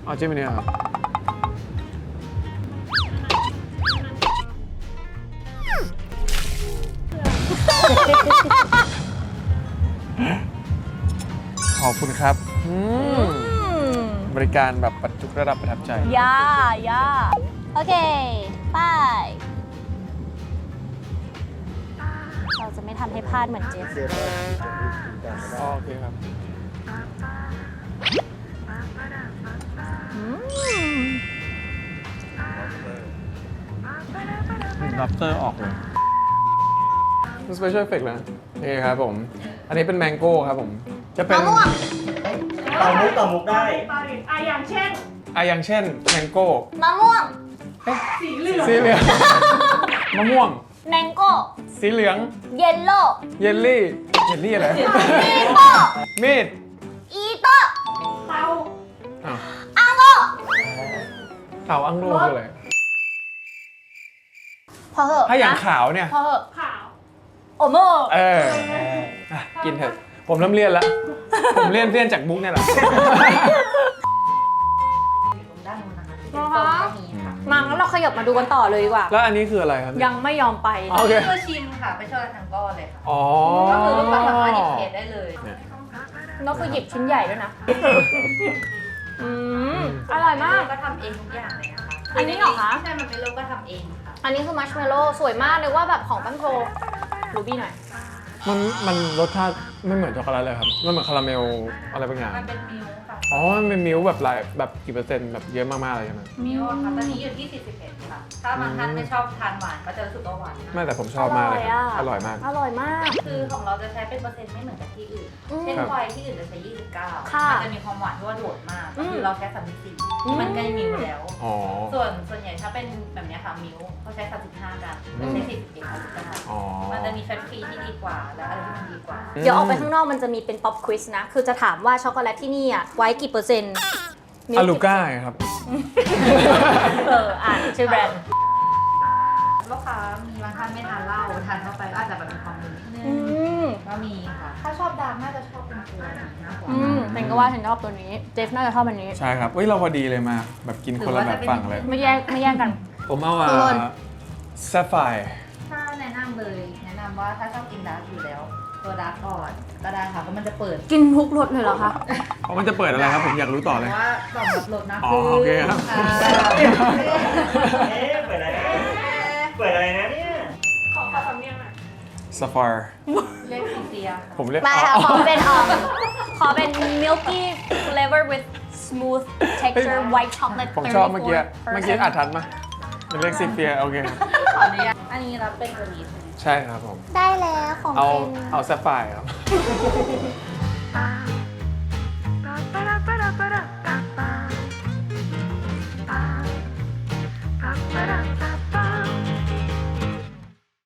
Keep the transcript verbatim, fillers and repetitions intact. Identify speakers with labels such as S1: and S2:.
S1: อ๋อจิ้มอันนี้ครับขอบคุณครับบริการแบบปัจจุระดับประทับใจ
S2: ย่าย่าโอเคไปเราจะไม่ทำให้พลาดเหมือนเจฟ
S1: โอเคครับลับเตอร์ออกเลยสเปเชียลเอฟเฟกต์แล้วนี่ครับผมอันนี้เป็นแมงโก้ครับผมจะเป็น
S2: มะม่วง
S3: ต่อมุกต่อมุกได้
S4: อ่ะอย่างเช่น
S1: อ่ะอย่างเช่นแมงโก้
S2: มะม่วง
S4: สีเหลือง
S1: สีเหลืองมะม่วง
S2: แมงโก้
S1: สีเหลือง
S2: เยลโล่
S1: เยลลี่เยลลี่อะไร
S2: มีโต้
S1: มีด
S2: อีโต้
S4: เตา
S1: อ้าว
S2: อังโล
S1: เต่าอังโลคืออะไร
S2: พอเหอะ
S1: ถ้าอย่าง
S2: นะ
S1: ขาวเนี่ย
S2: พอเหอะ
S4: ขาว
S2: โอโม
S1: เอออ่ะกินเถอะผมเริ่มเลี่ยนแล้ว ผมเลี่ยนเลี่ยนจากมุกเนี่ยแหละ
S5: ด้านนู้นนะคะ
S2: นะคะ
S5: ก็มีค่ะ
S2: มางั้นเราขยับมาดูกันต่อเลยดีกว่า
S1: แล้วอันนี้คืออะไรครับ
S2: ยังไม่ยอมไป
S1: โอเค
S5: เพื่อชิมค่ะไปช่วยกันทั้งก้อนเลยค่ะ
S1: อ๋อ
S5: ก็คือลูกค้าสามารถหยิบเค้กได้เลย
S2: นกคือหยิบชิ้นใหญ่ด้วยนะ อืมอร่อยมาก
S5: ก็ทำเองทุกอย่างเลยนะคะ
S2: อันนี้เหรอคะ
S5: ใช่มันเป็นลูกก็ทำเองค่ะ
S2: อันนี้คือมัชเมลโล่สวยมากเลยว่าแบบของแป้งโทรูบี้หน่อย
S1: มันมันรสชาติไม่เหมือนช็อกโกแลตเลยครับ มันเหมือนคาราเมลอะไรบางอย่าง
S5: มันเป็นมิลค์ค่ะ
S1: อ๋อ มันเป็นมิลค์แบบหลายแบบกี่เปอร์เซ็นต์แบบเยอะมากๆเลยใช่ไหม
S5: มิลค์อะค่ะตอนนี้อยู่ที่สี่สิบเอ็ดค่ะ ถ้าบางท่านไม่ชอบทานหวานก็จะรู้สึกว่าหวาน
S1: ไม่
S5: มาก
S1: แต่ผมชอบมากเลยครับอร่อยมาก
S2: อร่อยมาก
S5: คือของเราจะใช้เป็นเปอร์เซ็นต์ไม่เหมือนกับที่อื่น
S2: อืม
S5: เช่นไวน์ที่อื่นจะใช้ยี่สิบเก้า
S2: ค่ะ
S5: มันจะมีความหวานที่ว่าโดดมาก
S2: อืม
S5: คือเราใช้สามสิบสี่มันใกล้มิลค์แล้ว
S1: อ๋อ
S5: ส่วนส่วนใหญ่ถ้าเป็นแบบเนี้ยค่ะมิลค์เขาใช้สามสิบห้ากันไม่ใช่สี่สิบเอ็ดสามสิบเก้า
S1: อ๋อ
S5: มันจะมีแฟตฟรีที่ดีกว่าและอะไรที่มันดีกว่า
S2: เดี๋ยวออกไปข้างนอกมันจะมีเป็นป๊อปควิสนะ คือจะถามว่าช็อกโกแลตที่นี่อ่ะไว้กี่เปอร์เซ็นต์
S1: อาลูก้าครับ
S2: เอออ่านชื่อแบรนด์
S5: ลูกค้ามีบางท่านไม่ทานเหล้าทานเข้าไปก็อาจจะแบบมีความมึนนิดนึ
S2: อื
S5: ง
S2: ม
S5: ก็มีค่ะ ถ้าชอบดำน่าจะชอบเป็นตัวนี้มากกว่า
S2: อืมฉันก็ว่าฉันชอบตัวนี้ เจฟน่าจะชอบอันนี้
S1: ใช่ครับเฮ้ย เราพอดีเลยมา แบบกินคนละแบบฝั่งเลย
S2: ไม่แย่งไม่แย่งกัน
S1: ผมเอาอ่ะ
S2: เอิญ
S1: แซฟไฟร์
S5: ถ้าแนะนำเลยแนะนำว่าถ้าชอบกินดาร์กอยู่แล้ว ตัวดาร์กก่อนก็ได้ค่ะเพราะมันจะเปิด
S2: กินทุกรสเลยเหรอคะ
S1: เพราะมันจะเปิดอะไรครับ ผมอยากรู้ต่อ
S5: เพ
S1: เลย
S5: ราะว่าต่อมรับรสนะ
S1: อ๋อโอเคครับ
S5: อ่า
S3: เอ๊ะเปิดอะไรเปิดอะไรนะเนี่ย
S4: ขอขอสำเนียงหน่อย
S1: ซาฟาร์
S5: เรียกซีเซีย
S1: ผมเรียก
S2: ไม่ค่ะ
S1: อ๋อ
S2: ขอเป็นออมขอเป็น milky flavor with smooth texture white chocolate
S1: ผมชอบเมื่อกี้
S2: thirty-four
S1: เมื่อกี้อาทันมาเป็นเรียกซิเฟีย โอเคครับ
S5: ขออนุญาตอันนี้รับเป็นตัวนี้ใช่ไหม
S1: ใช่ครับผม
S2: ได้แล้วของ
S1: เอา
S2: เป็น
S1: เอาแซฟไฟร์ครับ